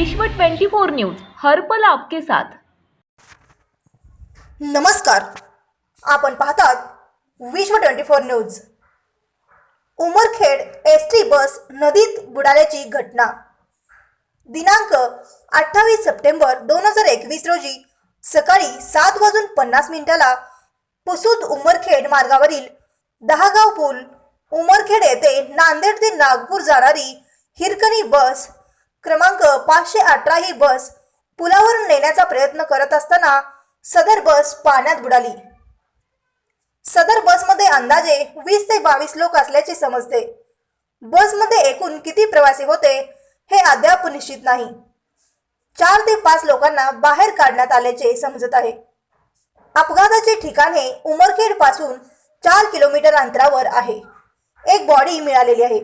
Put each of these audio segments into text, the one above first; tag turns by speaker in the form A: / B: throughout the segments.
A: विश्व 24 न्यूज हर पल आपके साथ।
B: नमस्कार, आपण पाहतात विश्व 24 न्यूज। उमरखेड एसटी बस नदीत बुडाल्याची घटना दिनांक 28 सप्टेंबर 2021 रोजी सकाळी 7:50 पुसद उमरखेड मार्गावरील दहागाव पूल उमरखेड येथे नांदेड ते नागपूर जाणारी हिरकणी बस क्रमांक 518 ही बस पुलावर नेण्याचा प्रयत्न करत असताना सदर बस पाण्यात बुडाली। सदर बसमध्ये अंदाजे 20 ते 22 लोक असल्याचे समजते। बसमध्ये एकूण किती प्रवासी होते हे अद्याप निश्चित नाही। 4 ते 5 लोकांना बाहेर काढण्यात आल्याचे समजत आहे। अपघाताचे ठिकाण हे उमरखेड पासून 4 किलोमीटर अंतरावर आहे। एक बॉडी मिळालेली आहे।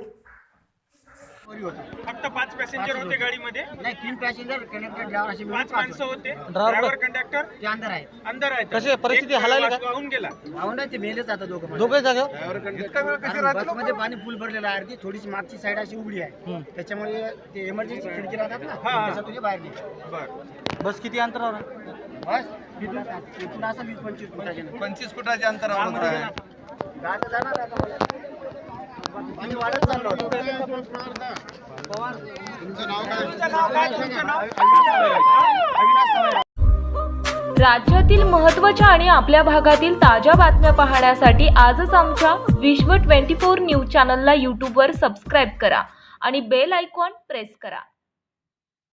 C: फक्त 5 पॅसेंजर होते गाडीमध्ये?
D: नाही, 3 पॅसेंजर कंडक्टर ड्रायव्हर असे
C: 5 माणसं होते।
E: ड्रायव्हर
C: कंडक्टर
D: ते अंदर आहे।
C: अंदर आहे।
E: कशी परिस्थिती हलायली का?
C: वाहून गेला।
D: भावना ते मेलेच आता दोघं
E: जागेवर
D: बसमध्ये पाणी फुल भरलेलं आहे। अर्धी थोडीशी मागची साईड अशी उघडी आहे, त्याच्यामुळे ते इमर्जन्सी खिडकी राहतात ना, त्याच्यातून ते बाहेर निघतात।
C: बरं,
E: बस किती अंतरावर आहे?
D: बस इथून असं 20-25 फुटाचे
F: 25 फुटाच्या अंतरावर आहे।
D: गाडं जाणार आता मला पाणी वाढत चाललं होतं।
C: तुमचं नाव काय?
A: राज्यातील महत्त्वाच्या आणि आपल्या भागातील ताज्या बातम्या पाहण्यासाठी आजच आमच्या विश्व 24 न्यूज चॅनलला यूट्यूबवर सबस्क्राईब करा आणि बेल आयकॉन प्रेस करा।